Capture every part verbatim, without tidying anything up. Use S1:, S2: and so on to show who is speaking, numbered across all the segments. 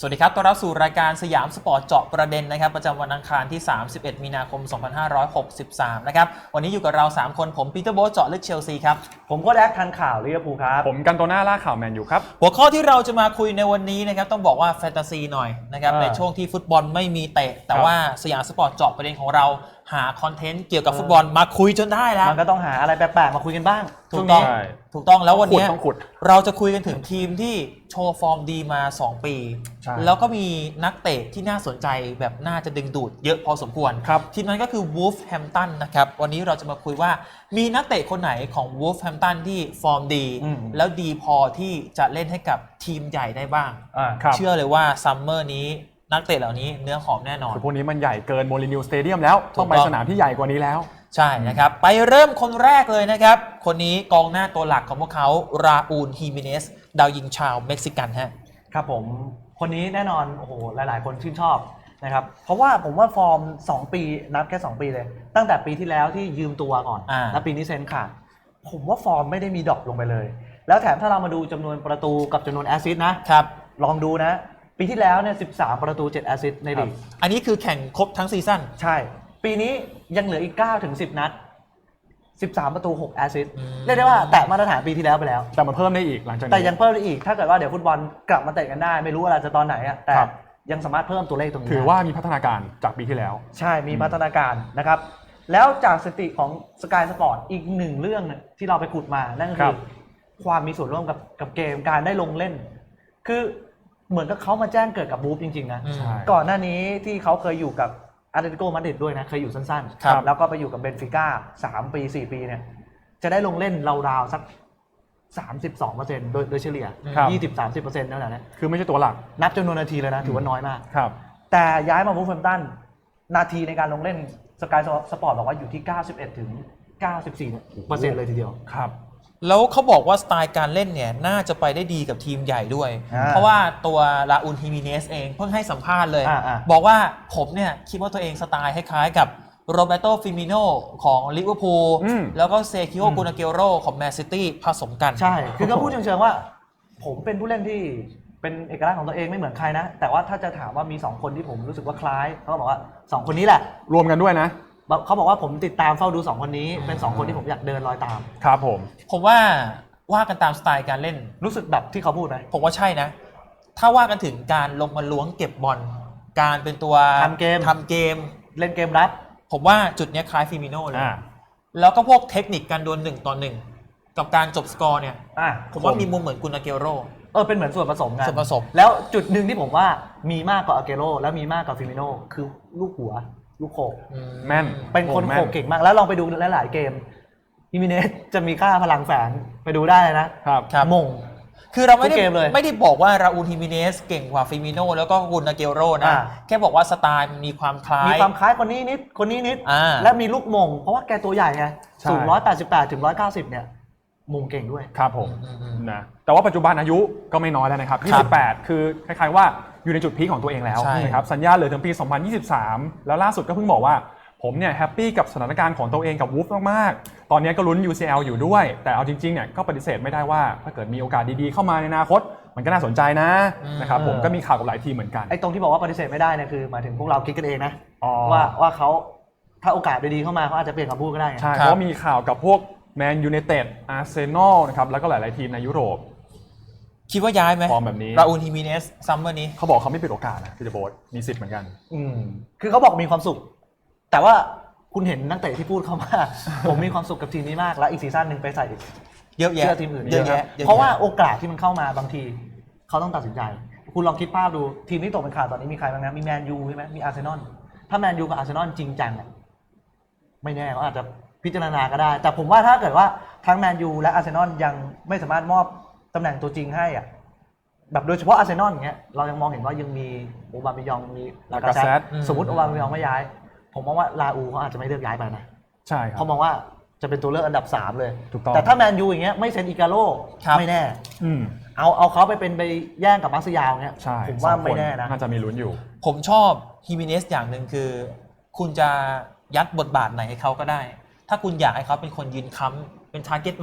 S1: สวัสดีครับต้อนรับสู่รายการสยามสปอร์ตเจาะประเด็นนะครับประจำวันอังคารที่ สามสิบเอ็ด มีนาคม สองพันห้าร้อยหกสิบสาม นะครับวันนี้อยู่กับเรา สาม คนผมปีเตอร์โบ๊ทเจาะลึกเชลซีครับ
S2: ผมก็แดกทันข่าวลิเวอร์พูลครับ
S3: ผมกันโตน่าล่าข่าวแมนยูครับ
S1: หัวข้อที่เราจะมาคุยในวันนี้นะครับต้องบอกว่าแฟนตาซีหน่อยนะครับในช่วงที่ฟุตบอลไม่มีเตะแต่ว่าสยามสปอร์ตเจาะประเด็นของเราหาคอนเทนต์เกี่ยวกับฟุตบอลมาคุยจนได้แล้ว
S2: มันก็ต้องหาอะไรแปลกๆมาคุยกันบ้าง
S1: ถูกต้องถูกต้องแล้ววันนี้เราจะคุยกันถึงทีมที่โชว์ฟอร์มดีมาสองปีแล้วก็มีนักเตะที่น่าสนใจแบบน่าจะดึงดูดเยอะพอสมควรทีมนั้นก็คือ Wolverhampton นะครับวันนี้เราจะมาคุยว่ามีนักเตะคนไหนของ Wolverhampton ที่ฟอร์มดีแล้วดีพอที่จะเล่นให้กับทีมใหญ่ได้บ้างเชื่อเลยว่าซัมเมอร์นี้นักเตะเหล่านี้เนื้อหอมแน่นอน
S3: คือพวกนี้มันใหญ่เกินโมลินิวสเตเดียมแล้วต้องไปสนามที่ใหญ่กว่านี้แล้ว
S1: ใช่นะครับไปเริ่มคนแรกเลยนะครับคนนี้กองหน้าตัวหลักของพวกเขาราอูลฮิมิเนสดาวยิงชาวเม็กซิกันฮะ
S2: ครับผมคนนี้แน่นอนโอ้โหหลายๆคนชื่นชอบนะครับเพราะว่าผมว่าฟอร์มสองปีนับแค่สองปีเลยตั้งแต่ปีที่แล้วที่ยืมตัวก่อนแล้วปีนี้เซ็นขาดผมว่าฟอร์มไม่ได้มีดรอปลงไปเลยแล้วแถมถ้าเรามาดูจำนวนประตูกับจำนวนแอสซิสต์นะครับลองดูนะปีที่แล้วเนี่ยสิบสามประตูเจ็ดแอสซิสต์ในลีก
S1: อันนี้คือแข่งครบทั้งซีซั่น
S2: ใช่ปีนี้ยังเหลืออีกเก้าถึงสิบนัดสิบสามประตูหกแอสซิสต์เรียกได้ว่าแตะมาตรฐานปีที่แล้วไปแล้ว
S3: แต่มันเพิ่มได้อีกหลังจากนี้
S2: แต่ยังเพิ่มได้อีกถ้าเกิดว่าเดี๋ยวฟุตบอลกลับมาเตะกันได้ไม่รู้อะไรจะตอนไหนอ่ะแต่ยังสามารถเพิ่มตัวเลขตรงนี้
S3: ถือว่ามีพัฒนาการจากปีที่แล้ว
S2: ใช่มีพัฒนาการนะครับแล้วจากสถิติของ Sky Sport อีกหนึ่งเรื่องที่เราไปขุดมานั่นก็คือความมีส่วนร่วมกับกับเกมการได้ลงเล่นคือเหมือนกับเขามาแจ้งเกิดกับบูฟจริงๆนะก่อนหน้านี้ที่เขาเคยอยู่กับอาร์เตติโกมาดริดด้วยนะเคยอยู่สั้นๆแล้วก็ไปอยู่กับเบนฟิก้าสามปีสี่ปีเนี่ยจะได้ลงเล่นราวๆสัก สามสิบสองเปอร์เซ็นต์ โดยโดยเฉลี่ย ยี่สิบถึงสามสิบเปอร์เซ็นต์ นั่นแหละนะ
S3: คือไม่ใช่ตัวหลัก
S2: นับจำนวนนาทีเลยนะถือว่าน้อยมาก
S3: ครับ
S2: แต่ย้ายมาวูฟแฮมป์ตันนาทีในการลงเล่นสกายสปอร์ตบอกว่าอยู่ที่ เก้าสิบเอ็ดถึงเก้าสิบสี่เปอร์เซ็นต์ เลยทีเดียว
S3: ครับ
S1: แล้วเขาบอกว่าสไตล์การเล่นเนี่ยน่าจะไปได้ดีกับทีมใหญ่ด้วยเพราะว่าตัวราอูลฮิมิเนสเองเพิ่งให้สัมภาษณ์เลยบอกว่าผมเนี่ยคิดว่าตัวเองสไตล์คล้ายๆกับโรเบโตฟิมิโนของลิเวอร์พูลแล้วก็เซคิโอกูนาเกโรของแมนซิตี้ผสมกัน
S2: ใช่คือเขาพูดเชิงๆว่าผมเป็นผู้เล่นที่เป็นเอกลักษณ์ของตัวเองไม่เหมือนใครนะแต่ว่าถ้าจะถามว่ามีสองคนที่ผมรู้สึกว่าคล้ายเขาบอกว่าสองคนนี้แหละ
S3: รวมกันด้วยนะ
S2: เขาบอกว่าผมติดตามเฝ้าดูสองคนนี้เป็นสองคนที่ผมอยากเดินรอยตาม
S3: ครับผม
S1: ผมว่าว่ากันตามสไตล์การเล่น
S2: รู้สึกแบบที่เขาพูดไหม
S1: ผมว่าใช่นะถ้าว่ากันถึงการลงมาล้วงเก็บบอลการเป็นตัว
S2: ทำเกม
S1: ทำเกม
S2: เล่นเกมรับ
S1: ผมว่าจุดนี้คล้ายฟิมิโน่เลยแล้วก็พวกเทคนิคการดวลหนึ่งต่อหนึ่งกับการจบสกอร์เนี่ยผมว่ามีมุมเหมือนกุนาเกโร
S2: เออเป็นเหมือนส่วนผสมกัน
S1: ส่วนผสม
S2: แล้วจุดหนึ่งที่ผมว่ามีมากกว่าอาเกโรและมีมากกว่าฟิมิโน่คือลูกหัวลูกโขก
S3: แม่น
S2: เป็นคนโขกเก่งมากแล้วลองไปดูหลายๆเกมฮิมิเนสจะมีค่าพลังแฝงไปดูได้นะครับมง
S1: คือเราไม่ได้ไม่ได้บอกว่าราอูลฮิมิเนสเก่งกว่าฟิมิโน่แล้วก็กุนาเกโรนะแค่บอกว่าสไตล์มันมีความคล้าย
S2: มีความคล้ายคนนี้นิดคนนี้นิดและมีลูกมงเพราะว่าแกตัวใหญ่ไงสูงหนึ่งร้อยแปดสิบแปดถึงหนึ่งร้อยเก้าสิบเนี่ยมงเก่งด้วย
S3: ครับผมนะแต่ว่าปัจจุบันอายุก็ไม่น้อยแล้วนะครับยี่สิบแปดคือคล้ายๆว่าอยู่ในจุดพีคของตัวเองแล้วนะครับสัญญาเหลือถึงปีสองพันยี่สิบสามแล้วล่าสุดก็เพิ่งบอกว่าผมเนี่ยแฮปปี้กับสถานการณ์ของตัวเองกับวูฟมากๆตอนนี้ก็ลุ้น ยู ซี แอล อยู่ด้วยแต่เอาจริงๆเนี่ยก็ปฏิเสธไม่ได้ว่าถ้าเกิดมีโอกาสดีๆเข้ามาในอนาคตมันก็น่าสนใจนะนะครับผมก็มีข่าวกับหลายทีมเหมือนกัน
S2: ไอ้ตรงที่บอกว่าปฏิเสธไม่ได้เนี่ยคือหมายถึงพวกเราคิดกันเองนะว่าว่าเขาถ้าโอกาสดีๆเข้ามาเขาอาจจะเปลี่ยนคำพูดก็ได้
S3: ใช่เพราะมีข่าวกับพวกแมนยูไนเต็ดอาร์เซนอลนะครับแล้วก็หลายๆทีมในยุโรป
S1: คิดว่าย้ายไหม
S3: ฟอร์มแบบนี้
S1: ราอูลฮิมิเนสซัมเมอร์นี้
S3: เขาบอกเขาไม่ปิดโอกาสนะพี่เดโบสมีสิทธิ์เหมือนกัน
S2: อืมคือเขาบอกมีความสุขแต่ว่าคุณเห็นนักเตะที่พูดเข้ามาผมมีความสุขกับทีมนี้มากแล้วอีกซีซั่นหนึ่งไปใส่
S1: เยอะแยะ
S2: ทีมอื่นเยอะแยะเพราะว่าโอกาสที่มันเข้ามาบางทีเขาต้องตัดสินใจคุณลองคิดภาพดูทีมที่ตกเป็นข่าวตอนนี้มีใครบ้างนะมีแมนยูใช่ไหมมีอาร์เซนอลถ้าแมนยูกับอาร์เซนอลจริงจังอ่ะไม่แน่เขาอาจจะพิจารณาก็ได้แต่ผมว่าถ้าเกิดว่าทั้งแมนยูและอาร์เซนอลยังไม่สามารถมอบตำแหน่งตัวจริงให้อ่ะแบบโดยเฉพาะอาร์เซนอลอย่างเงี้ยเรายังมองเห็นว่ายังมีโอบาเมยองมีลากาเซตสมมติโอบาเมยองไม่ย้ายผมมองว่าลาอูเขาอาจจะไม่เลือกย้ายไปนะ
S3: ใช่ครับ
S2: เขามองว่าจะเป็นตัวเลือกอันดับสามเลย
S3: ถูกต้อง
S2: แต่ถ้าแมนยูอย่างเงี้ยไม่เซ็นอิกาโร่ไม่แน่เอาเอาเขาไปเป็นไปแย่งกับมาร์เซียลเงี้ยผมว่าไม่แน่นะ
S3: น่าจะมีลุ้นอยู่
S1: ผมชอบฮิมิเนสอย่างหนึ่งคือคุณจะยัดบทบาทไหนให้เขาก็ได้ถ้าคุณอยากให้เขาเป็นคนยืนค้ำเป็น target man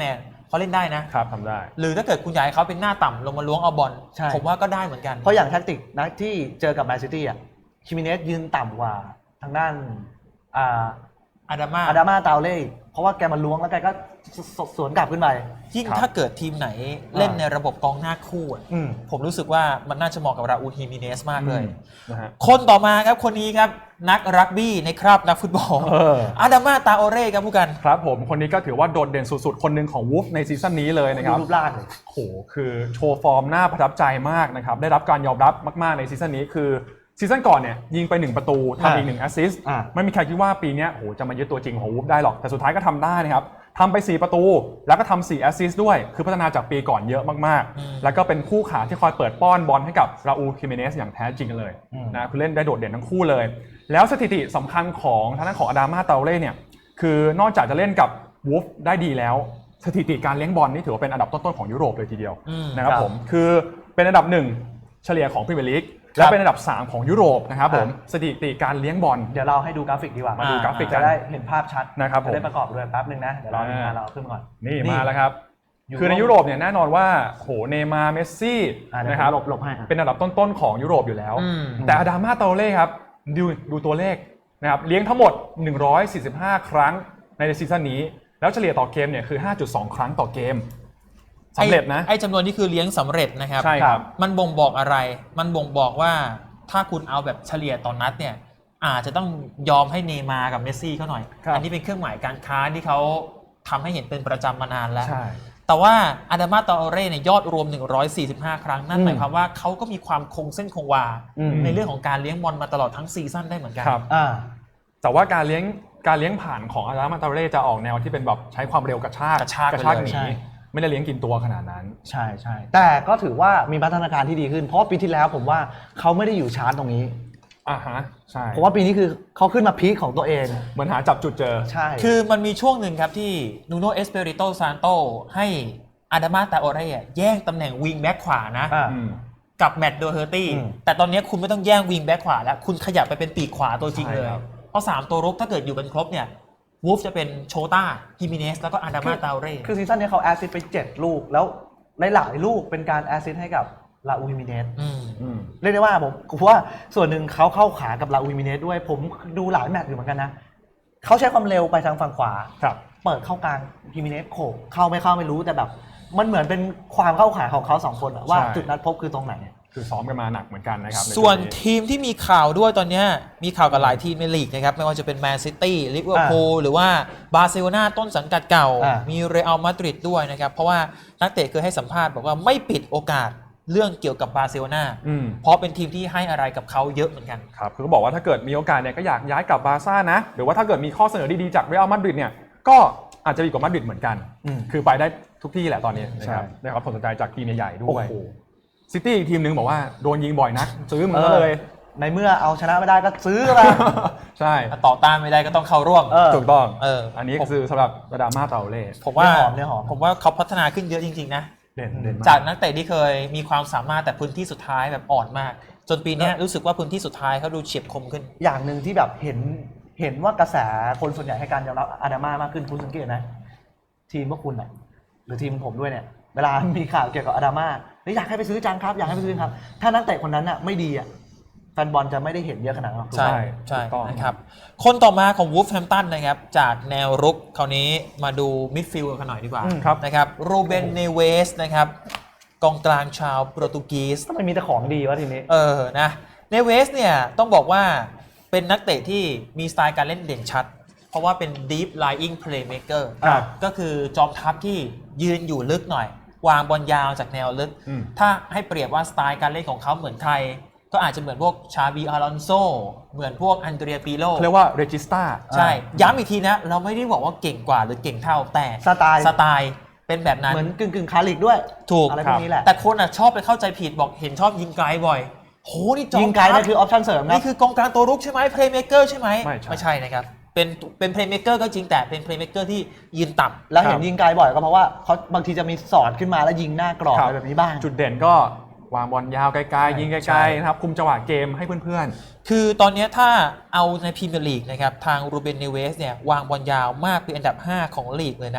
S1: เขาเล่นได้นะครับ
S3: ทำได้
S1: หรือถ้าเกิดคุณอยากให้เขาเป็นหน้าต่ำลงมาล้วงเอาบอล
S2: ใช่
S1: ผมว่าก็ได้เหมือนกัน
S2: เพราะอย่างแท็กติกนะที่เจอกับแมนซิตี้อ่ะคิมิเนสยืนต่ำกว่าทางด้านอ่า
S1: อาดามา
S2: อาดามาตาเล่เพราะว่าแกมาล้วงแล้วแกก็สสวนกลับขึ้นไป
S1: ยิ่ง
S3: ครับ
S1: ถ้าเกิดทีมไหนเล่นในระบบกองหน้าคู่อะ
S2: อืม
S1: ผมรู้สึกว่ามันน่าจะเหมาะกับราอูลฮิมิเนสมากเลย
S3: นะฮะ
S1: คนต่อมาครับคนนี้ครับนักรักบี้ในคราบนักฟุตบอล
S3: เออ
S1: อาดามาตาโอเร่ครับผู้กัน
S3: ครับผมคนนี้ก็ถือว่าโดดเด่นสุดๆ คนหนึ่งของวูฟในซีซั่นนี้เลยนะครับ
S2: รูปร่างเลย
S3: โอ้โหคือโชว์ฟอร์มน่าประทับใจมากนะครับ ได้รับการยอมรับมากๆในซีซั่นนี้คือซีซั่นก่อนเนี่ยยิงไปหนึ่งประตูทำอีกหนึ่งแอสซิสต์
S2: อ่า
S3: ไม่มีใครคิดว่าปีนี้โอ้โหจะมายึดตัวจริงของวูฟได้หรอกแต่สุดท้ายก็ทำได้นะครับทำไปสี่ประตูแล้วก็ทำสี่แอสซิสต์ด้วยคือพัฒนาจากปีก่อนเยอะมาก
S1: อืม
S3: ๆแล้วก็เป็นคู่ขาที่คอยเปิดป้อนบอลให้กับราอูลคิเมเนสอย่างแท้จริงเลย
S2: อืม
S3: นะคือเล่นได้โดดเด่นทั้งคู่เลย แล้วสถิติสำคัญของทางด้านของอาดามาเตาเล่เนี่ยคือนอกจากจะเล่นกับวูฟได้ดีแล้ว สถิติการเลี้ยงบอลนี่ถือว่าเป็นอันดับต้นๆของยุโรปเลยทีเดียว
S1: อืม
S3: นะครับ
S2: ครับ
S3: ผมคือเป็นอันดับหนึ่งเฉลี่ยของพรีเมียร์ลีกและเป็นอันดับสามของยุโรปนะครับผมสถิติการเลี้ยงบอล
S2: เดี๋ยวเราให้ดูกราฟิกดีกว่า
S3: มาดูกราฟิก
S2: จะได้เห็นภาพชัด
S3: นะครับผม
S2: จะได้ประกอบด้วยแป๊บนึงนะเดี๋ยวรอทีมงานเราเอาขึ้นมาก่อน
S3: นี่มาแล้วครับ
S2: ยูโร
S3: คือในยุโรปเนี่ยแน่นอนว่าโหเนย์มาร์เมสซี่
S2: อ่าเดี๋ยว
S3: นะครับ
S2: หลบหลบให้อ่ะ
S3: เป็นอันดับต้นๆของยุโรปอยู่แล้ว
S1: อืม
S3: แต่อาดามาเตาเล่ครับดูดูตัวเลขนะครับเลี้ยงทั้งหมดหนึ่งร้อยสี่สิบห้าครั้งในซีซั่นนี้แล้วเฉลี่ยต่อเกมเนี่ยคือ ห้าจุดสอง ครั้งต่อเกมสำเร็จนะ
S1: ไอ้ไอ้จำนวนนี้คือเลี้ยงสำเร็จนะครับ
S3: ใช่ครับ
S1: มันบ่งบอกอะไร มันบ่งบอกว่าถ้าคุณเอาแบบเฉลี่ยต่อนนัดเนี่ยอาจจะต้องยอมให้เนย์มาร์กับเมสซี่เขาหน่อย
S3: ครับ
S1: อันี้เป็นเครื่องหมายการค้าที่เขาทำให้เห็นเป็นประจำมานานแล้ว
S3: ใช่
S1: แต่ว่าอาดามาตาโอเร่เนี่ยยอดรวมหนึ่งร้อยสี่สิบห้าครั้งนั่น
S2: อืม
S1: หมายความว่าเขาก็มีความคงเส้นคงวา
S2: อืม
S1: ในเรื่องของการเลี้ยงบอลมาตลอดทั้งซีซั่นได้เหมือนกัน
S3: ครับ
S2: อ่า
S3: แต่ว่าการเลี้ยงการเลี้ยงผ่านของอาดามาเตาเล่จะออกแนวที่เป็นแบบใช้ความเร็วกระชาก
S1: กระชาก
S3: กระชาก
S1: ไปเลย
S3: หนี
S2: ใช่
S3: ไม่ได้เลี้ยงกินตัวขนาดนั้น
S2: ใช่ใช่แต่ก็ถือว่ามีพัฒนาการที่ดีขึ้น เพราะว่าปีที่แล้วผมว่าเขาไม่ได้อยู่ชาร์จตรงนี้
S3: อ่าฮะใช่
S2: ผมว่าปีนี้คือเขาขึ้นมาพีคของตัวเอง
S3: เหมือนหาจับจุดเจอ
S2: ใช่
S1: คือมันมีช่วงหนึ่งครับที่นูโนเอสเปริโตซานโตให้อาดามาตาโอเร่แย่งตำแหน่งวิงแบ็คขวานะ
S2: อ่า
S3: อืม
S1: กับแมตต์โดเฮอร์ตี้
S2: อืม
S1: แต่ตอนนี้คุณไม่ต้องแย่งวิงแบ็คขวาแล้ว คุณขยับไปเป็นปีกขวาตัวจริงเลย
S3: ใช่ครับ
S1: เพราะสามตัวรุกถ้าเกิดอยู่กันครบเนี่ยวูฟจะเป็นโชต้าฮิมิเนสแล้วก็อาดามาตาโอเร่
S2: คือซีซั่นนี้เขาแอสซิสต์ไปเจ็ดลูก แล้วหลายๆลูกเป็นการแอสซิสต์ให้กับลาอูฮิมิเนส
S1: อืม
S3: อืม
S2: เรียกได้ว่าผมผมว่าส่วนหนึ่งเขาเข้าขากับลาอูฮิมิเนสด้วย ผมดูหลายแมตช์อยู่เหมือนกันนะเขาใช้ความเร็วไปทางฝั่งขวา
S3: ครับ
S2: เปิดเข้ากลางฮิมิเนสโขกเข้าไม่เข้าไม่รู้แต่แบบ มันเหมือนเป็นความเข้าขาของเขาสองคนอะว่า
S3: ใช่
S2: จุดนัดพบคือตรงไหน
S3: คือซ้อมกันมาหนักเหมือนกันนะครับใ
S1: ส่วน
S3: ปีนี้
S1: ทีมที่มีข่าวด้วยตอนนี้มีข่าวกับหลายทีมในลีกนะครับไม่ว่าจะเป็นแมนซิตี้ลิเวอร์พูลหรือว่าบาร์เซโลนาต้นสังกัดเก่า
S2: อ่ามี
S1: มีเรอัลมาดริดด้วยนะครับเพราะว่านักเตะเคยให้สัมภาษณ์บอกว่าไม่ปิดโอกาสเรื่องเกี่ยวกับบาร์เซโลนา
S3: อืม
S1: เพราะเป็นทีมที่ให้อะไรกับเขาเยอะเหมือนกัน
S3: ครับคือเขาบอกว่าถ้าเกิดมีโอกาสเนี่ยก็อยากย้ายกลับบาร์ซ่านะ หรือว่าถ้าเกิดมีข้อเสนอดีๆจากเรอัลมาดริดเนี่ยก็อาจจะดีกว่ามาดริดเหมือนกัน
S2: อืม
S3: คือไปได้ทุกที่แหละตอนนี้นะครับ
S2: ใช่
S3: ได้รับผลสนใจจากทีมใหญ่ๆด้วย
S2: โอ้โห
S3: ซิตี้อีกทีมหนึงบอกว่าโดนยิงบ่อยนักซื้อมันก็เลย
S2: ในเมื่อเอาชนะไม่ได้ก็ซื้อมา
S3: ใช่
S1: ต่อต้านไม่ได้ก็ต้องเข้าร่วม
S2: เออ
S3: ถูกต้อง
S1: เออ
S3: อันนี้คือสำหรับระดามาเตาเล่
S1: ผมว่า
S2: เนื้อหอมเนื้อหอม
S1: ผมว่าเขาพัฒนาขึ้นเยอะจริงๆนะ
S3: เด่นเด่นมาก
S1: จากนักเตะที่เคยมีความสามารถแต่พื้นที่สุดท้ายแบบอ่อนมาก จนปีเนี้ยรู้สึกว่าพื้นที่สุดท้ายเขาดูเฉียบคมขึ้น
S2: อย่างหนึ่งที่แบบเห็นเห็นว่ากระแสคนส่วนใหญ่ให้การยอมรับอาดามามากขึ้นคุณสังเกตนะทีมพวกคุณน่ะหรือทีมผมด้วยเนี่ยเวลามีข่าวเกี่ยวกับอาดามาเฮ้ยอยากให้ไปซื้อจังครับอยากให้ไปซื้อครับ ถ้านักเตะคนนั้นน่ะไม่ดีอ่ะแฟนบอลจะไม่ได้เห็นเยอะขนาดนั้นหรอก
S1: ใช่
S3: ใช่
S1: ใช่
S3: ถูกต้อง
S1: นะครับ คนต่อมาของวูฟแฮมตันนะครับ จากแนวรุกคราวนี้มาดูมิดฟิลด์กันหน่อยดีกว่า
S2: อืม
S3: ครับ
S1: นะครับโรเบนเนเวสนะครับกองกลางชาวโปรตุเกส
S2: ทำไมมีแต่ของดีวะทีนี้
S1: เออนะเนเวสเนี่ยต้องบอกว่าเป็นนักเตะที่มีสไตล์การเล่นเด่นชัด เพราะว่าเป็น deep lying playmaker
S3: ครับ
S1: ก็คือจอมทัพที่ยืนอยู่ลึกหน่อย วางบอลยาวจากแนวลึก
S3: อืม
S1: ถ้าให้เปรียบว่าสไตล์การเล่นของเขาเหมือนใคร ก็อาจจะเหมือนพวกชาบีอารอนโซเหมือนพวกอันเดรียปิโล
S3: เขาเรียกว่าเรจิสตา
S1: ใช่ ย้ำอีกทีนะ เราไม่ได้บอกว่าเก่งกว่าหรือเก่งเท่าแต่
S2: สไตล์
S1: สไตล์เป็นแบบนั้น
S2: เหมือนกึ่งกึ่งๆคาลิกด้วย
S1: ถูก
S2: อะไรพวกนี้แหละ
S1: แต่คนอ่ะชอบไปเข้าใจผิดบอกเห็นชอบยิงไกลบ่อยโหนี่จอม
S2: ยิงไกลนั่นคือออปชั่นเสริมนะ
S1: นี่คือกองกลางตัวรุกใช่ไหมเพลย์เมเกอร์ใช่ไหม
S3: ไม่ใช่
S1: ไม่ใช่นะครับ เป็นเป็นเพลย์เมเกอร์ก็จริงแต่เป็นเพลย์เมเกอร์ที่ยืนต่ำ
S2: แล้วเห็นยิงไกลบ่อยก็เพราะว่าเขาบางทีจะมีสอดขึ้นมาแล้วยิงหน้ากรอบ
S3: ครั
S2: อะ
S3: บ
S2: ไรแบบนี้บ้าง
S3: จุดเด่นก็วางบอลยาวไกลๆยิงไก
S1: ใช่
S3: ลๆนะครับคุมจังหวะเกมให้เพื่อน
S1: คือตอนนี้ถ้าเอาในพรีเมียร์ลีกนะครับทางรูเบนเนเวสเนี่ยวางบอลยาวมากเป็นอันดับห้าของลีกเลยนะ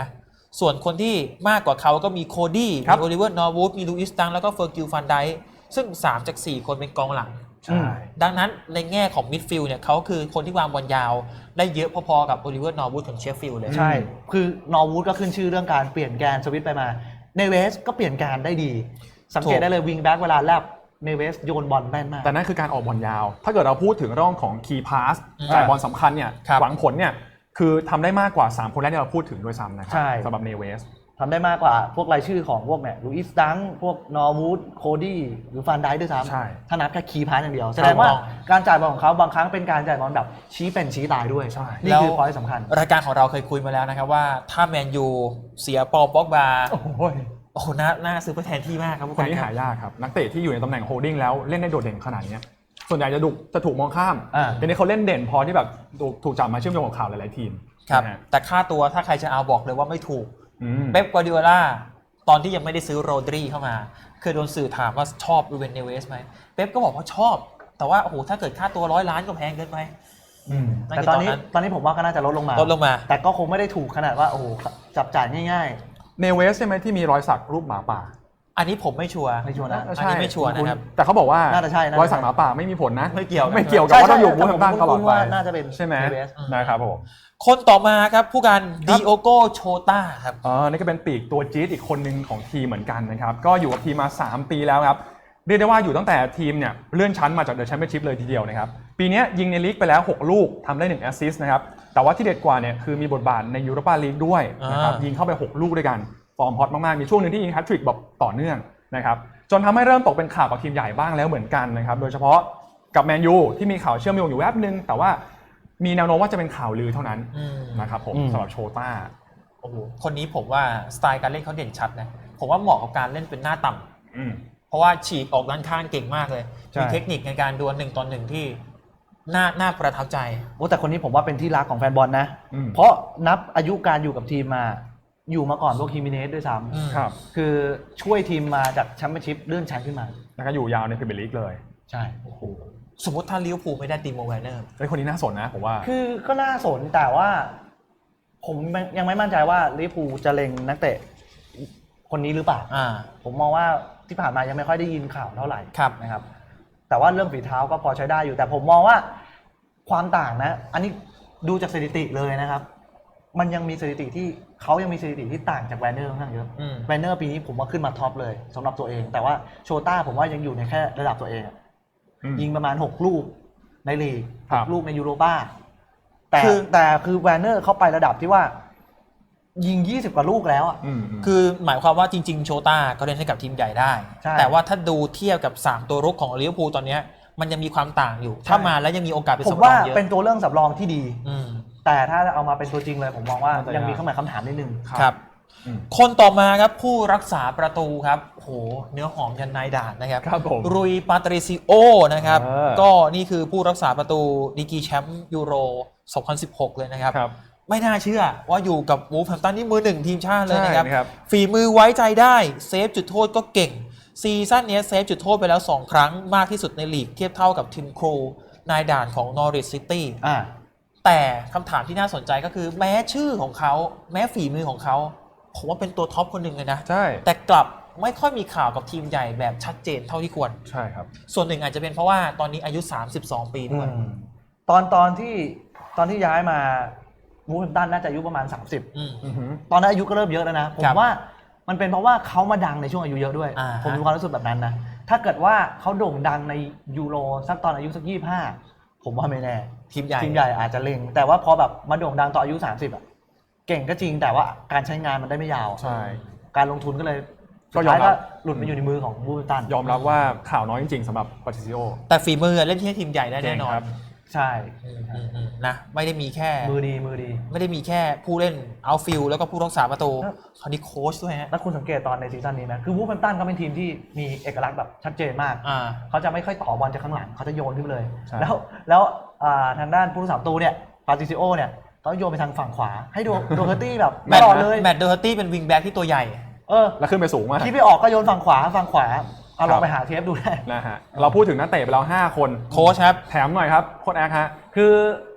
S1: ส่วนคนที่มากกว่าเขาก็มีโคดี้
S3: ครับ
S1: มีโอลิเวอร์นอร์วูดมีลูอิสตังแล้วก็เฟอร์กิลฟันไดค์ซึ่งสามจากสี่คนเป็นกองหลัง
S3: ใช่
S1: ดังนั้นในแง่ของมิดฟิลด์เนี่ยเขาคือคนที่วางบอลยาวได้เยอะพอๆกับโอลิเวอร์นอร์วูดของเชฟฟิลด์เลย
S2: ใช่ คือนอร์วูดก็ขึ้นชื่อเรื่องการเปลี่ยนแกนสวิตช์ไปมาเนเวสก็เปลี่ยนแกนได้ดี สังเกตได้เลยวิงแบ็กเวลาแลบเนเวสโยนบอลแม่นมาก
S3: แต่นั่นคือการออกบอลยาว ถ้าเกิดเราพูดถึงเรื่องของคีย์พาส
S1: อืม
S3: จ่ายบอลสำคัญเนี่ย
S1: ครับ
S3: หวังผลเนี่ยคือทำได้มากกว่าสามคนแรกที่เราพูดถึงด้วยซ้ำนะครั
S2: ใช่
S3: สำหรับเนเวส
S2: ทำได้มากกว่าพวกรายชื่อของพวกเนี่ยลูอิสดังพวกนอร์วูดโคดี้หรือฟันไดด้วยซ้
S3: ใช่
S2: ำถ้านับแค่คีย์พาสอย่างเดียว แสดงว่าการจ่ายบอลของเขาบางครั้งเป็นการจ่ายบอลแบบชี้เป็นชี้ตายด้วย
S3: ใช่
S2: นี่คือพอยต์สำคัญ
S1: รายการของเราเคยคุยมาแล้วนะครับว่าถ้าแมนยูเสียปอลป็อกบา
S3: โอ้ย
S1: โอ้โหน่าน่าซื้อไปแทนที่มากครับผู้
S3: คน
S1: การ
S3: นี้
S1: ค
S3: หา
S1: รับ
S3: ยากครับ นักเตะที่อยู่ในตำแหน่งโฮลดิ้งแล้วเล่นได้โดดเด่นขนาดนี้ส่วนใหญ่จะถูกจะถูกมองข้าม
S2: อ่า
S3: แต่นี้เขาเล่นเด่นพอที่แบบถูกถูกจับมาเชื่อมโยงกับข่าวหลายๆทีม
S1: ครับ
S3: นะฮะ
S1: แต่ค่าตัวถ้าใครจะเอาบอกเลยว่าไม่ถูก
S3: อืม
S1: เป๊ปกวาร์ดิโอลาตอนที่ยังไม่ได้ซื้อโรดรีเข้ามาเคยโดนสื่อถามว่าชอบรูเวนเนเวสไหมเป๊ปก็บอกว่าชอบ แต่ว่าโอ้โหถ้าเกิดค่าตัวร้อยล้านก็แพงเกินไป นั่น
S2: แต่
S1: คือ
S2: ตอนนี้
S1: ตอนนั้น
S2: ตอนนี้ผมว่าก็น่าจะลดลงมา
S1: ลดลงมา
S2: แต่ก็คงไม่ได้ถูกขนาดว่าโอ้โหจับจ่ายง่าย
S3: เนเวสใช่ไหมที่มีรอยสักรูปหมาป่า
S1: อันนี้ผมไม่ชัวร์
S2: ไม่ชัวร์นะ
S1: อันนี้ไม่ชัวร์นะครับ
S3: แต่เขาบอกว่า
S2: น่าจะใช่น่าจะใช่
S3: รอยสักหมาป่าไม่มีผลนะ
S1: ไม่เกี่ยวนะ
S3: ไม่เกี่ยว
S2: ๆ
S3: กับว่าต้องอยู่บูธแฮมป์ตันตลอดไป
S2: ว่าน่าจะเป็น
S3: ใช่ไหม
S2: เนเวส
S3: นะครับผม
S1: คนต่อมาครับผู้การดิโอโกโชตาครับ
S3: อ๋อนี่ก็เป็นปีกตัวจี๊ดอีกคนหนึ่งของทีมเหมือนกันนะครับ ก็อยู่กับทีมมาสามปีแล้วครับ เรียกได้ว่าอยู่ตั้งแต่ทีมเนี่ยเลื่อนชั้นมาจากเดอะแชมเปี้ยนชิพเลยทีเดียวนะครับ ปีนี้ยิงในลีกไปแล้วหกลูกทำได้หนึ่งแอสซิสต์นะครับ แต่ว่าที่เด็ดกว่าเนี่ยคือมีบทบาทในยูโรปาลีกด้วยนะครับ
S1: อ่ายิ
S3: ยิงเข้าไปหกลูกด้วยกัน ฟอร์มฮอตมากๆ มีช่วงหนึ่งที่ยิงแฮตทริกแบบต่อเนื่องนะครับ จนทำให้เริ่มตกเป็นข่าวกับทีมใหญ่บ้างแล้วเหมือนกันนะครับ โดยเฉพาะกับแมนยูที่มีข่าวเชื่อมโยงอยู่แวบนึง แต่ว่ามีแนวโน้มว่าจะเป็นข่าวลือเท่านั้น
S1: อืม
S3: นะครับผม
S2: อืม
S3: สำหรับโชต้า
S1: โอ้โหคนนี้ผมว่าสไตล์การเล่นเขาเด่นชัดนะผมว่าเหมาะกับการเล่นเป็นหน้าต่ำ
S3: อืม
S1: เพราะว่าฉีกออกด้านข้างเก่งมากเลย
S2: ใช่
S1: มีเทคนิคในการดวลหนึ่งต่อหนึ่งที่น่าน่าประทับใจ
S2: โอ้แต่คนนี้ผมว่าเป็นที่รักของแฟนบอลนะ
S3: อืม
S2: เพราะนับอายุการอยู่กับทีมมา อยู่มาก่อนพวกฮิมิเนสด้วยซ้
S1: อืม
S3: ครับ
S2: ำคือช่วยทีมมาจากแชมเปี้ยนชิพเลื่อนชั้นขึ้นมา
S3: แล้วก็อยู่ยาวในพรีเมียร์ลีกเลย
S2: ใช่
S1: สมมติถ้าลิเวอร์พูลไม่ได้ตีโมแวนเนอร์
S3: ไอ้ยคนนี้น่าสนนะผมว่า
S2: คือก็น่าสนแต่ว่า ผมยังไม่มั่นใจว่าลิเวอร์พูลจะเล็งนักเตะคนนี้หรือเปล่า
S1: อ่า
S2: ผมมองว่าที่ผ่านมายังไม่ค่อยได้ยินข่าวเท่าไหร่
S1: ครับ
S2: นะครับ แต่ว่าเรื่องฝีเท้าก็พอใช้ได้อยู่ แต่ผมมองว่าความต่างนะ อันนี้ดูจากสถิติเลยนะครับ มันยังมีสถิติที่เขายังมีสถิติที่ต่างจากแวนเนอร์ค่อนข้างเยอะ
S1: อืม
S2: แวนเนอร์ปีนี้ผมว่าขึ้นมาท็อปเลยสำหรับตัวเอง แต่ว่าโชต้าผมว่ายังอยู่ในแค่ระดับตัวเองอะ
S3: อืม
S2: ยิงประมาณหกลูกในลีก
S3: ครั
S2: ห
S3: บ
S2: กลูกในยูโรป้าแต่
S1: คือ
S2: แต่คือแวนเนอร์เขาไประดับที่ว่า ยิงยี่สิบกว่าลูกแล้วอ่ะ
S3: อืมอืม
S1: คือหมายความว่าจริงๆ โชต้าก็เล่นให้กับทีมใหญ่ได้
S2: ใช่
S1: แต่ว่าถ้าดูเทียบกับ สาม ตัวรุกของลิเวอร์พูลตอนเนี้ยมันยังมีความต่างอยู่ ถ้ามาแล้วยังมีโอกาสเป็น
S2: ผม
S1: สำรอ
S2: ว่าง
S1: เยอะ
S2: เป็นตัวเรื่องสำรองที่ดี
S1: อืม
S2: แต่ถ้าเอามาเป็นตัวจริงเลย ผมมองว่า
S3: น่าจะ
S2: ยังมี
S3: ยาก
S2: ข้อหมายคำถามนิดนึง
S1: ครับ
S3: อืม
S1: คนต่อมาครับผู้รักษาประตูครับโหเนื้อหอมยันนายด่านนะครับ
S3: ครับผม
S1: รุยปาตริซิโอนะครับ
S3: เออ
S1: ก็นี่คือผู้รักษาประตูดีกรีแชมป์ยูโร สองพันสิบหก เลยนะครับ
S3: ครับ
S1: ไม่น่าเชื่อว่าอยู่กับวูฟแฮมป์ตันนี่มือหนึ่งทีมชาติเลยนะครับ
S3: ใช่นะครับ
S1: ฝีมือไว้ใจได้เซฟจุดโทษก็เก่ง ซีซั่นนี้เซฟจุดโทษไปแล้ว สอง ครั้งมากที่สุดในลีกเทียบเท่ากับทีมครูนายด่านของนอริทซิตี้
S2: อ่า
S1: แต่คำถามที่น่าสนใจก็คือแม้ชื่อของเขาแม้ฝีมือของเขาผมว่าเป็นตัวท็อปคนหนึ่งเลยนะ
S3: ใช่
S1: แต่กลับไม่ค่อยมีข่าวกับทีมใหญ่แบบชัดเจนเท่าที่ควร
S3: ใช่ครับ
S1: ส่วนหนึ่งอาจจะเป็นเพราะว่าตอนนี้อายุ สามสิบสอง ปีด้วย
S2: ตอนตอนที่ตอนที่ย้ายมาวูฟแฮมป์ตันน่าจะอายุประมาณ สามสิบ
S1: อืม
S3: อือหือ
S2: ตอนนั้นอายุก็เริ่มเยอะแล้วนะ ผม
S1: ครับ
S2: ว่ามันเป็นเพราะว่าเขามาดังในช่วงอายุเยอะด้วย
S1: อ่าฮะ
S2: ผมมีความรู้สึกแบบนั้นนะ ถ้าเกิดว่าเขาโด่งดังในยูโรสักตอนอายุสักยี่สิบห้าผมว่าไม่แน่
S1: ทีมใหญ่
S2: ทีมใหญ่อาจจะเล็ง แต่ว่าพอแบบมาโด่งดังตอนอายุ สามสิบอ่ะเก่งก็จริงแต่ว่าการใช้งานมันได้ไม่ยาว
S3: ใช่
S2: การลงทุนก็เลย
S3: ก็
S2: สุด
S3: ยอม
S2: ท้าย
S3: รั
S2: ก็
S3: บ
S2: หลุดมาอยู่ในมือของบูฟแฮมป์ตัน
S3: ยอมรับว่าข่าวน้อยจริงๆสำหรับปาติซิโอ
S1: แต่ฝีมือเล่นที่ให้ทีมใหญ่ได้แน่นอน
S3: ครับ
S2: ใช่
S1: อืมอืมอืมนะไม่ได้มีแค่
S2: มือดีมือดี
S1: ไม่ได้มีแค่ผู้เล่นเอาฟิลแล้วก็ผู้รักษาประตู
S2: ครับ
S1: คราวนี้โค้ชด้วยฮะ
S2: แล้วคุณสังเกตตอนในซีซั่นนี้ไหมคือวูฟแฮมป์ตันเขาเป็นทีมที่มีเอกลักษณ์แบบชัดเจนมาก
S1: อ่า
S2: เขาจะไม่ค่อยต่อบอลจากข้างหลังเขาจะโยนขึ้นไปเลย
S3: ใช่
S2: แล้วแล้วอ่าทางด้านผู้รักษาประตูเนี่ยปาติซิโอเนี่ยเขาโยนไปทางฝั่งขวา ให้โดโดเฮอร์ตี้แบบ
S1: แม
S2: ต
S1: ต
S2: ลอด
S1: ต์
S2: เลย
S1: แมตต์เดอร์ตี้เป็นวิงแบ็กที่ตัวใหญ่
S2: เออ
S3: แล้วขึ้นไปสูงมาก
S2: คิดไม่ออกก็โยนฝั่งขวาฝั่งขวาเอาล
S3: ครั
S2: อง
S3: บ
S2: ไปหาเทปดูได้
S3: นะฮะเราพูดถึงนักเตะไปแล้วห้าคน
S1: โค้ชครับ
S3: แถมหน่อยครับโค้ชแอคฮะ
S2: คือ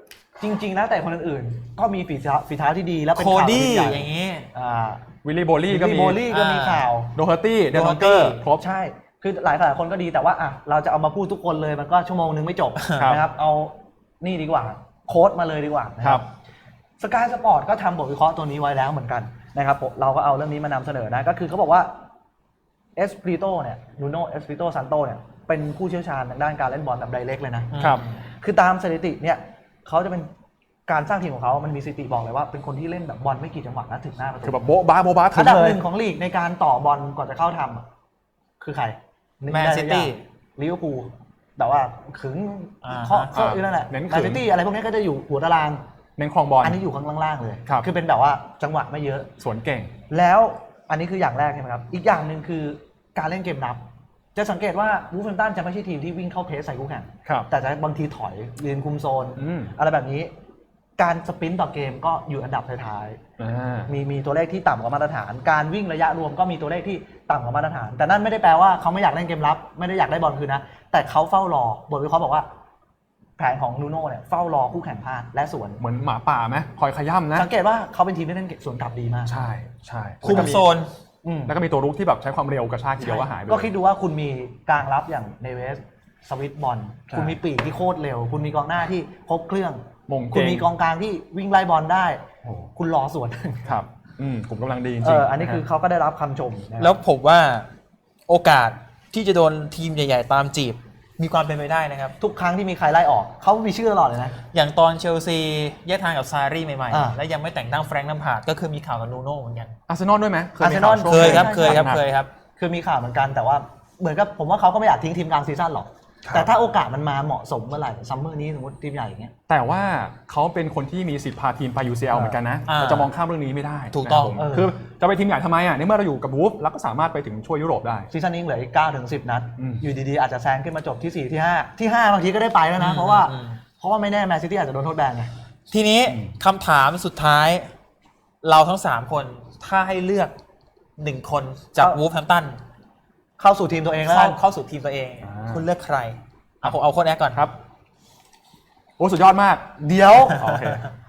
S2: จริงๆนะแต่คนอื่นๆก็มีฝีเท้าฝีเท้าที่ดีแล้วเป็น
S1: โค
S2: ข่าว
S1: ดี้
S2: ใหญ่
S1: อย่างนี้
S2: อ่า
S3: วิลลี่โบลี่ก็
S2: วิลลี่
S3: มี
S2: โบลี่ก็มี
S1: อ่า
S2: ข่าว
S3: โดเฮอร์ตี้เดน
S1: โด
S3: ม
S1: เฮ
S3: อ
S1: อน ร์
S3: เก
S1: ตี้
S3: อร์ครบ
S2: ใช่คือหลายหลายคนก็ดีแต่ว่าอ่ะเราจะเอามาพูดทุกคนเลยมันก็ชั่วโมงนึงไม่จบ
S3: ครับ
S2: นะครับเอานี่ดีกว่าโค้ดมาเลยดีกว่านะ
S3: ค
S2: ค
S3: รั
S2: รับ บสกายสปอร์ตก็ทำบทวิเคราะห์ตัวนี้ไว้แล้วเหมือนกันนะครับผมเราก็เอาเรื่องนี้มานำเสนอนะก็คือเขาบอกว่าเอสปริโตเนี่ยนูโนเอสปริโตซันโตเนี่ยเป็นผู้เชี่ยวชาญทางด้านการเล่นบอลแบบไดเรกเลยนะครับ คือตามสถิติเนี่ยเขาจะเป็นการสร้างทีมของเขามันมีสถิติบอกเลยว่าเป็นคนที่เล่นแบบบอลไม่กี่จังหวะนะถึงหน้าประตู
S3: คือแบบโบ๊ะบ้าโบ๊ะบ้าถึ
S2: อั
S3: ง
S2: นดับ
S3: เล
S2: ห
S3: ย
S2: นึ่งของลีกในการต่อบอลก่อนจะเข้าทำอะคือใคร
S1: แมนซิตี้
S2: ลิเวอร์พูลแต่ว่าขึง
S1: อ่า
S2: เคาะเคาะอยู่นั่นแหละ
S3: เน้น
S2: แม
S3: ขึ
S2: น
S3: ง
S2: ซิตี้อะไรพวกนี้ก็จะอยู่หัวตาราง
S3: เน้นครองบอล
S2: อันนี้อยู่ข้างล่างๆเลย
S3: ครับ
S2: คือเป็นแบบว่าจังหวะไม่เยอะ
S3: สวนเก่ง
S2: แล้วอันนี้คืออย่างแรกใช่ไหมครับ อีกอย่างหนึ่งคือการเล่นเกมรับ จะสังเกตว่าวูฟแฮมป์ตันจะไม่ใช่ทีมที่วิ่งเข้าเพสใส่คู่แข่ง
S3: ครับ
S2: แต่จะบางทีถอยยืนคุมโซน
S3: อืม
S2: อะไรแบบนี้ การสปรินต์ต่อเกมก็อยู่อันดับท้าย
S3: อ่า
S2: ๆมีมีตัวเลขที่ต่ำกว่ามาตรฐาน การวิ่งระยะรวมก็มีตัวเลขที่ต่ำกว่ามาตรฐาน แต่นั่นไม่ได้แปลว่าเขาไม่อยากเล่นเกมรับ ไม่ได้อยากได้บอลคืนนะ แต่เขาเฝ้ารอบทวิเคราะห์บอกว่าแผนของนูโน่เนี่ยเฝ้ารอคู่แข่งพลาดและสวน
S3: เหมือนหมาป่าไหมคอยขย้ำนะ
S2: สังเกตว่าเขาเป็นทีมที่เล่นสวนกลับดีมาก
S3: ใช่ใช่
S1: คุมโซน
S2: อืม
S3: แล้วก็มีตัวรุกที่แบบใช้ความเร็วกระชากทีเดียวก็หายไปเลย
S2: ก็คิดดูว่าคุณมีกลางรับอย่างเนเวสสวิตบอล
S3: ใช่
S2: คุณมีปีกที่โคตรเร็ว คุณมีกองหน้าที่ครบเครื่อง
S3: มงเก่ง
S2: คุณมีกองกลางที่วิ่งไล่บอลได้
S3: โอ้
S2: คุณรอสวน
S3: ครับอืมผมกำลังดีจริง
S2: เอ
S3: ๆ
S2: ออันนี้คือเขาก็ได้รับคำชมนะครับ
S1: แล้วผมว่าโอกาสที่จะโดนทีมใหญ่ๆตามจีบมีความเป็นไปได้นะครับ
S2: ทุกครั้งที่มีใครไล่ออก เขามีชื่อตลอดเลยนะ
S1: อย่างตอนเชลซีแยกทางกับซารีใหม่
S2: อ่า
S1: ๆ และยังไม่แต่งตั้งแฟรงค์ลัมพาร์ดก็คือมีข่าวกับนูโน่เหมือนกัน
S3: อาร์เซนอลด้วยไหมเคยมี
S2: อาร์เซนอล
S3: ข่าวช่วง
S1: เคยครับ
S2: ใช่
S1: เคยครับ
S3: หนักๆ
S1: เคยครับ
S2: คือมีข่าวเหมือนกันแต่ว่าเหมือนกับผมว่าเขาก็ไม่อยากทิ้งทีมกลางซีซั่นหรอก
S3: ครับ
S2: แต่ถ้าโอกาสมันมาเหมาะสมเมื่อไหร่ซัมเมอร์นี้สมมติทีมใหญ่อย่างเงี้ย
S3: แต่ว่าเขาเป็นคนที่มีสิทธิ์พาทีมไป ยู ซี แอล เหมือนกันนะ
S1: อ่า
S3: เราจะมองข้ามเรื่องนี้ไม่ได้
S1: ถูกต้อง
S3: นะครับผม
S2: เออ
S3: คือจะไปทีมใหญ่ทำไมอ่ะในเมื่อเราอยู่กับวูฟแล้วก็สามารถไปถึงช่วยยุโรปได้
S2: ซีซั่นนี้เหลืออีกเก้าถึงสิบนัด
S3: อืม
S2: อยู่ดีๆอาจจะแซงขึ้นมาจบที่สี่ที่ห้าที่ห้าบางทีก็ได้ไปแล้วนะ เพราะว่า
S1: อืม
S2: เพราะว่าไม่แน่แมนซิตี้อาจจะโดนโทษแบนไง
S1: ทีนี้คำถามสุดท้าย เราทั้งสามคนถ้าให้เลือกหนึ่งคนจาก
S2: เอา
S1: วูฟแฮมป์ตัน
S2: เข้าสู่ทีมตัวเองแล้ว
S1: เข้า
S2: กัน
S1: เข้าสู่ทีมตัวเอง
S3: อ่า
S1: คุณเลือกใครเอาผมเอาโค้ชแอคก่อน
S3: ครับโอ้สุดยอดมาก
S2: เดี๋ยว
S3: โอเค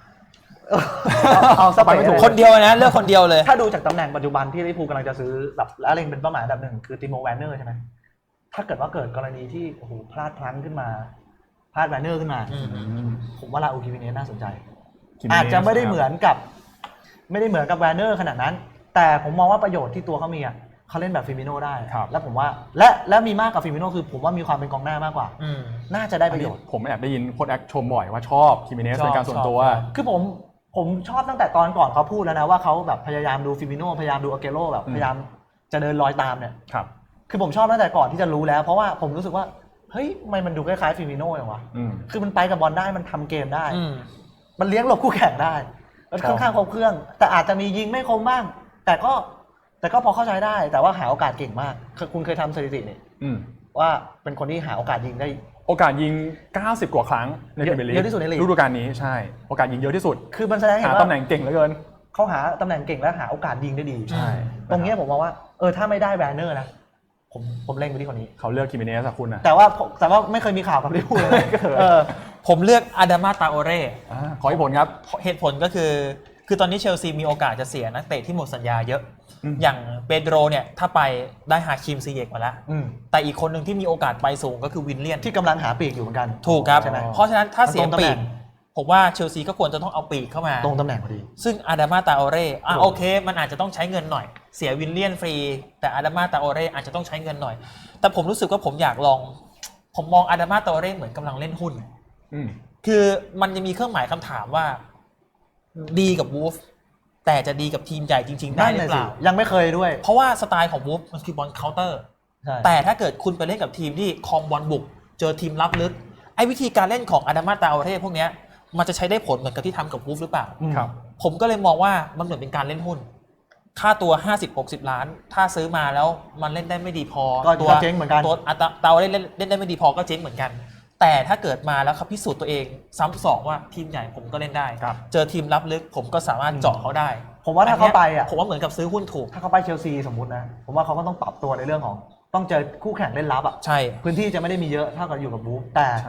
S2: เอาสไปไม่ถูก
S1: คนเดียวนะเลือกคนเดียวเลย
S2: ถ้าดูจากตำแหน่งปัจจุบันที่ลิเวอร์พูลกำลังจะซื้อแบบและเล็งเป็นเป้าหมายอันดับหนึ่งคือติโมแวนเนอร์ใช่ไหมถ้าเกิดว่าเกิดกรณีที่โอ้โหพลาดพลั้งขึ้นมาพลาดแวนเนอร์ขึ้นมา
S1: อืม
S2: ผมว่าลาอูคิมิเนสน่าสนใจ
S3: คิมิเนส
S2: อาจจะไม่ได้เหมือนกับ ไม่ได้เหมือนกับแวนเนอร์ขนาดนั้น แต่ผมมองว่าประโยชน์ที่ตัวเขามีอ่ะเขาเล่นแบบฟิมิโน่ได้
S3: ครับ
S2: แล้วผมว่าและและมีมากกว่าฟิมิโน่คือผมว่ามีความเป็นกองหน้ามากกว่า
S1: อืม
S2: น่าจะได้
S3: อั
S2: ป
S3: น
S2: ระ
S3: นี้
S2: โยชน์
S3: ผมแอบได้ยินโค้ชแอคชมบ่อยว่าชอบคิมิเนส
S1: ชอบ
S3: เป็นการส่วนตัว
S1: ชอบ
S2: คือผมผมชอบตั้งแต่ตอนก่อนเขาพูดแล้วนะว่าเขาแบบพยายามดูฟิมิโน่พยายามดูอาเกโร่แบบ
S3: อืม
S2: พยายามจะเดินรอยตามเนี่ย
S3: ครับ
S2: คือผมชอบตั้งแต่ก่อนที่จะรู้แล้ว เพราะว่าผมรู้สึกว่าเฮ้ยทำไมมันดูคล้ายๆฟิมิโน่อย่างวะ
S3: อืม
S2: คือมันไปกับบอลได้มันทำเกมได้
S1: อืม
S2: มันเลี้ยงหลบคู่แข่งได้มันค่อนข้างครบเครื่อง แต่อาจจะมียิงไม่คมบ้าง แต่ก็แต่ก็พอเข้าใจได้ แต่ว่าหาโอกาสเก่งมากคือคุณเคยทำสถิตินี่
S3: อืม
S2: ว่าเป็นคนที่หาโอกาสยิงได้
S3: โอกาสยิง เก้าสิบ กว่าครั้งในพรีเมียร์ลีก
S2: เยอะที่สุดในลีก
S3: ฤดูกาลนี้ใช่ โอกาสยิงเยอะที่สุด
S2: คือมันแสดงให้
S3: หา
S2: เห็น
S3: ตำแห
S2: ว่า
S3: น่งเก่งเหลือเกิน
S2: เขาหาตำแหน่งเก่งและหาโอกาสยิงได้ดี
S3: ใช่
S2: ตรงเนี้ยผมมองว่าเออถ้าไม่ได้แวนเนอร์นะผมผมเล่งไปที่คนนี้
S3: เขาเลือกคิมิเนสอะคุณอะ
S2: แต่ว่าผมแต่ว่าไม่เคยมีข่าวกับลิเวอร์พูลเลย เออ
S1: ผมเลือกอาดามาตาโอเร่
S3: อ่าขอให้ผลครับ
S1: เหตุผลก็คือ คือตอนนี้เชลซีมีโอกาสจะเสียนักเตะที่หมดสัญญาเยอะ
S3: อืม
S1: อย่างเปโดรเนี่ยถ้าไปได้ฮาคิมซีเยกมาแล้ว
S2: อืม
S1: แต่อีกคนหนึ่งที่มีโอกาสไปสูงก็คือวินเลียน
S2: ที่กำลังหาปีกอยู่เหมือนกัน
S1: ถูกครับ
S2: ใช่ไหม
S1: เพราะฉะนั้นถ้าเสีย
S2: มันตรงตำ
S1: ปี
S2: แหน่
S1: ก
S2: ง
S1: ผมว่าเชลซีก็ควรจะต้องเอาปีกเข้ามา
S2: ตรงตำแหน่งพอดี
S1: ซึ่งอาดามาตาโอเร่อ่ะ
S2: โอ้
S1: โอเค มันอาจจะต้องใช้เงินหน่อย เสียวินเลียนฟรี แต่อาดามาตาโอเร่อาจจะต้องใช้เงินหน่อย แต่ผมรู้สึกว่าผมอยากลอง ผมมองอาดามาตาโอเร่เหมือนกำลังเล่นหุ้น
S3: อืม
S1: คือมันยังมีเครื่องหมายคำถามว่า ดีกับวูฟแต่จะดีกับทีมใหญ่จริง ๆ ได้
S2: นั่น
S1: หรื
S2: น่ะ
S1: อเป
S2: สิ
S1: ล่า
S2: ยังไม่เคยด้วย
S1: เพราะว่าสไตล์ของวูฟมันคือบอลเคาน์เตอร์
S2: ใช่
S1: แต่ถ้าเกิดคุณไปเล่นกับทีมที่ครองบอลบุก เจอทีมรับลึก ไอ้วิธีการเล่นของอาดามาตาโอเร่พวกเนี้ยมันจะใช้ได้ผลเหมือนกับที่ทำกับวูฟหรือเปล่า
S2: อืม
S3: ครับ
S1: ผมก็เลยมองว่ามันเหมือนเป็นการเล่นหุ้น ค่าตัว ห้าสิบหกสิบ ล้าน ถ้าซื้อมาแล้วมันเล่นได้ไม่ดีพอ
S2: ก็
S1: ตัว
S2: ก็เจ๊งเหมือนกัน
S1: ตัวอัตราเตาเล่นเล่นเล่นได้ไม่ดีพอก็เจ๊งเหมือนกัน แต่ถ้าเกิดมาแล้วเขาพิสูจน์ตัวเองซ้ำสองว่าทีมใหญ่ผมก็เล่นได้
S3: ครับ
S1: เจอทีมรับลึกผมก็สามารถเจาะเขาได้
S2: ผมว่าถ้าเขาไปอ่ะ
S1: ผมว่าเหมือนกับซื้อหุ้นถูก
S2: ถ้าเขาไปเชลซีสมมุตินะ ผมว่าเขาก็ต้องปรับตัวในเรื่องของ ต้องเจอคู่แข่งเล่นลับอ่ะ
S1: ใช่
S2: พื้นที่จะไม่ได้มีเยอะเท่ากับอยู่กับบูฟแต่
S3: ใช่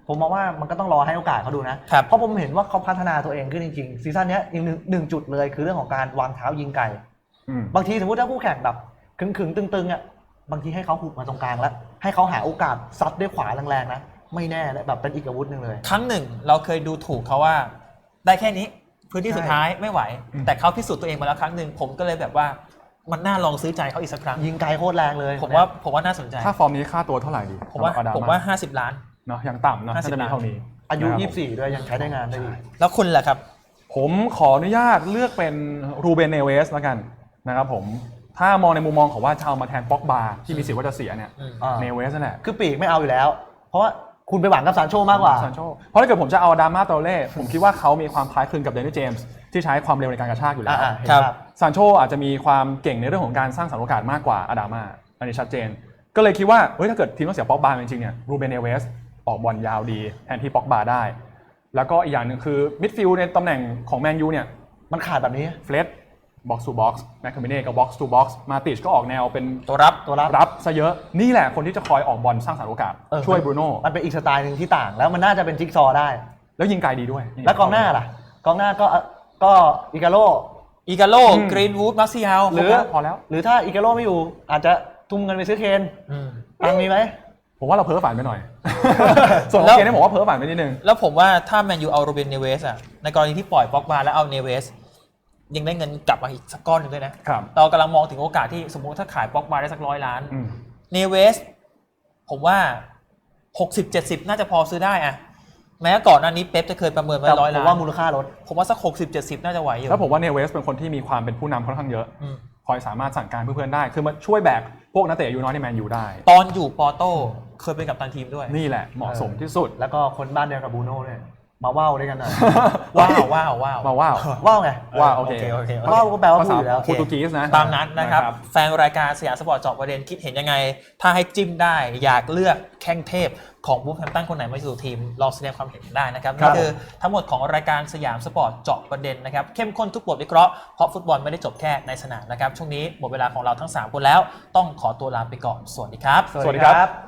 S2: ผมมองว่ามันก็ต้องรอให้โอกาสเขาดูนะ
S1: ครับ
S2: เพราะผมเห็นว่าเขาพัฒนาตัวเองขึ้นจริงๆซีซั่นเนี้ยอีกหนึ่งหนึ่งจุดเลยคือเรื่องของการวางเท้ายิงไกล
S3: อืม
S2: บางทีสมมติถ้าคู่แข่งแบบขึงๆตึงๆอ่ะบางทีให้เขาหุบมาตรงกลางแล้วให้เขาหาโอกาสซัดด้วยขวาแรงๆนะไม่แน่เลยแบบเป็นอีกอาวุธหนึ่งเลย
S1: ครั้งหนึ่งเราเคยดูถูกเขาว่า ได้แค่นี้พื้นที่สุดท้ายไม่ไหว
S3: อืม
S1: แต่เขาพิสูจน์ตัวเองมาแล้วครั้งหนึ่งผมก็เลยแบบว่ามันน่าลองซื้อใจเขาอีกสักครั้ง
S2: ยิงไกลโคตรแรงเลย
S1: ผมว่าผมว่าน่าสนใจ
S3: ค่าฟอร์มนี้ค่าตัวเท่าไหร่ดี
S1: ผมว่า
S3: สำหรับอด
S1: ผมว่าห้าสิบล้าน
S3: เนาะอย่างต่ำเนาะ
S1: ห้าสิบ
S3: น่าจะมีเท่านี้
S2: อายุ
S3: นะครับ
S2: ยี่สิบสี่ด้วยยังใช้ได้งานได้ดี
S1: แล้วคุณล่ะครับ
S3: ผมขออนุญาตเลือกเป็นรูเบนเนเวสแล้วกันนะครับผมถ้ามองในมุมมองของว่าจะเอามาแทนป็อกบาที่มีสิทธิ์ว่าจะเสียเนี่ย
S1: อืม
S2: อ่า
S3: เนเวสนั่นแหละ
S2: คือปีกไม่เอาอยู่แล้ว เพราะว่าคุณไปหวังกับซานโชมากกว่า
S3: ซานโชเพราะถ้าเกิดผมจะเอาดามาโตเล่ผมคิดว่าเขามีความคล้ายคลึงกับเดนิสเจมส์ที่ใช้ความเร็วในการกระชากอยู่แล้ว
S2: อ่าๆเห็น
S1: ครับ
S2: ภาพ
S3: ซานโชอาจจะมีความเก่งในเรื่องของการสร้างสรรค์โอกาสมากกว่าอาดามาอันนี้ชัดเจน ก็เลยคิดว่าเฮ้ยถ้าเกิดทีมต้องเสียป็อกบาจริงๆเนี่ยรูเบนเนเวสออกบอลยาวดีแทนที่ป็อกบาได้ แล้วก็อีกอย่างหนึ่งคือมิดฟิลด์ในตำแหน่งของแมนยูเนี่ย
S2: มันขาดแบบนี้
S3: เฟลดบ็อกซ์ทูบ็อกซ์แมคคาเมเน่ก็บ็อกซ์ทูบ็อกซ์มาติชก็ออกแนวเป็น
S1: ตัวรับ
S2: ตัวรับ
S3: รับซะเยอะนี่แหละคนที่จะคอยออกบอลสร้างสรรค์โอกาส
S2: เออ
S3: ช่วยบรูโน่
S2: มันเป็นอีกสไตล์หนึ่งที่ต่าง แล้วมันน่าจะเป็นจิ๊กซอว์ได้
S3: แล้วยิงไกลดีด้วย
S2: แล้วกองหน้าล่ะ กองหน้าก็ก็อิกาโล
S1: อีกาโล
S3: อืม
S1: กรีนวูดมาร์เซียล
S2: หรือ
S3: พอแล้ว
S2: หรือถ้าอิกาโลไม่อยู่ อาจจะทุ่มเงินไปซื้อเคน
S1: ม
S2: ตังค์มีไหม
S3: ผมว่าเราเพ้อฝันไปหน่อย ส่วนของเกมนี่ผมว่าเพ้อฝันไปนิดนึง
S1: แล้วผมว่าถ้าแมนยูเอาโรเบนเนเวสอะในกรณีที่ปล่อยป็อกบาแล้วเอาเนเวสยังได้เงินกลับมาอีกสักก้อนหนึ่งด้วยนะครับ เรากำลังมองถึงโอกาสที่สมมุติถ้าขายป็อกบาได้สักร้อยล้าน
S3: อืม
S1: เนเวสผมว่า หกสิบเจ็ดสิบ น่าจะพอซื้อได้อะแม้ก่อนหน้านี้เป๊ปจะเคยประเมินไว้
S2: แต่
S1: ร้อย
S2: ผม
S1: ล้าน
S2: ว่ามูลค่าลด
S1: ผมว่าสัก หกสิบเจ็ดสิบ น่าจะไหวอยู่
S3: แล้วผมว่าเนเวสเป็นคนที่มีความเป็นผู้นำค่อนข้างเยอะ
S1: อืม
S3: คอยสามารถสั่งการเพื่อนๆได้ คือมาช่วยแบกพวกนักเตะอายุน้อยในแมนยูได้
S1: ตอนอยู่ปอโต้เคยเป็นกัปตันทีมด้วย
S3: นี่แหละเหมาะสมที่สุด
S2: แล้วก็คนบ้านเดียวกับบูโน่เนี่ยมาว่าวด้วยกันหน่อย
S1: ว้าวว้าวว้าว
S3: มาว้าว
S2: ว่าวไง
S3: ว้าวโอเค
S1: โอเคโอเค
S2: ว่าวก็แปลว่า
S3: ภา
S2: พูด
S3: ษา
S2: อยู่แล้ว
S3: โปรตุเกสนะ
S1: ตามนั้นนะครับ แฟนรายการสยามสปอร์ตเจาะประเด็นคิดเห็นยังไง ถ้าให้จิ้มได้อยากเลือกแข้งเทพของบูฟแฮมป์ตันคนไหนมาสู่ทีมลองแสดงความเห็นได้นะครับ
S2: ครั
S1: นี่
S2: บ
S1: คือทั้งหมดของรายการสยามสปอร์ตเจาะประเด็นนะครับเข้มข้นทุกบทวิเคราะห์เพราะฟุตบอลไม่ได้จบแค่ในสนามนะครับช่วงนี้หมดเวลาของเราทั้งสามคนแล้วต้องขอตัวลาไปก่อนสวัสดีครับ
S3: สวัสดีครับ